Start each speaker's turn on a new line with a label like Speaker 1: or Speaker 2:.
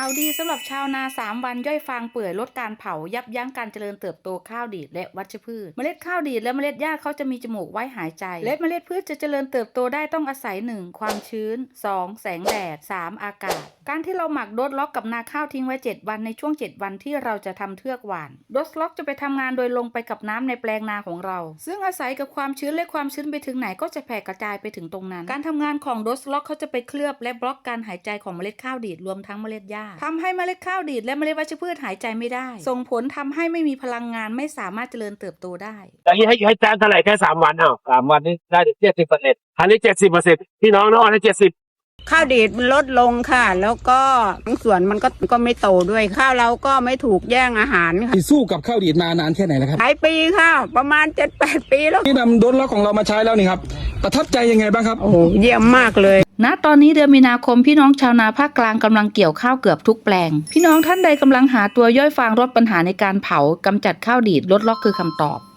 Speaker 1: าวดีสำหรับชาวนา3วันย่อยฟางเปื่อยลดการเผายับยั้งการเจริญเติบโตข้าวดีดและวัชพืชเมล็ดข้าวดีดและเมล็ดหญ้าเขาจะมีจมูกไว้หายใจและเมล็ดพืชจะเจริญเติบโตได้ต้องอาศัย 1. ความชื้น 2. แสงแดด 3. อากาศการที่เราหมักโดสล็อกกับนาข้าวทิ้งไว้7วันในช่วง7วันที่เราจะทำเทือกหว่านโดสล็อกจะไปทำงานโดยลงไปกับน้ำในแปลงนาของเราซึ่งอาศัยกับความชื้นและความชื้นไปถึงไหนก็จะแผ่กระจายไปถึงตรงนั้นการทำงานของโดสล็อกเขาจะไปเคลือบและบล็อกการหายใจของเมล็ดข้าวดีดรวมทั้งเมล็ดหญ้าทำให้เมล็ดข้าวดีดและเมล็ดวัชพืชหายใจไม่ได้ส่งผลทำให้ไม่มีพลังงานไม่สามารถเจริญเติบโตได้
Speaker 2: อย่างนี้ให้แจ้งเท่าไหร่แค่3 วัน3 วันนี้ได้ถึง70%อันนี้70%พี่น้องน้องให้70
Speaker 3: ข้าวดีดมันลดลงค่ะแล้วก็บางส่วนมันก็ไม่โตด้วยข้าวเราก็ไม่ถูกแย่งอาหารค่ะ
Speaker 4: สู้กับข้าวดีดมานานแค่ไหนแล้วครับ
Speaker 3: หลายปีค่ะประมาณ 7-8 ปีแล้ว
Speaker 4: ที่นำโดนล็อกของเรามาใช้แล้วนี่ครับประทับใจยังไงบ้างครับ
Speaker 3: โอ้โหเยี่ยมมากเลย
Speaker 1: ณตอนนี้เดือนมีนาคมพี่น้องชาวนาภาคกลางกำลังเกี่ยวข้าวเกือบทุกแปลงพี่น้องท่านใดกำลังหาตัวย่อยฟางลดปัญหาในการเผากำจัดข้าวดีดลดล็อกคือคำตอบ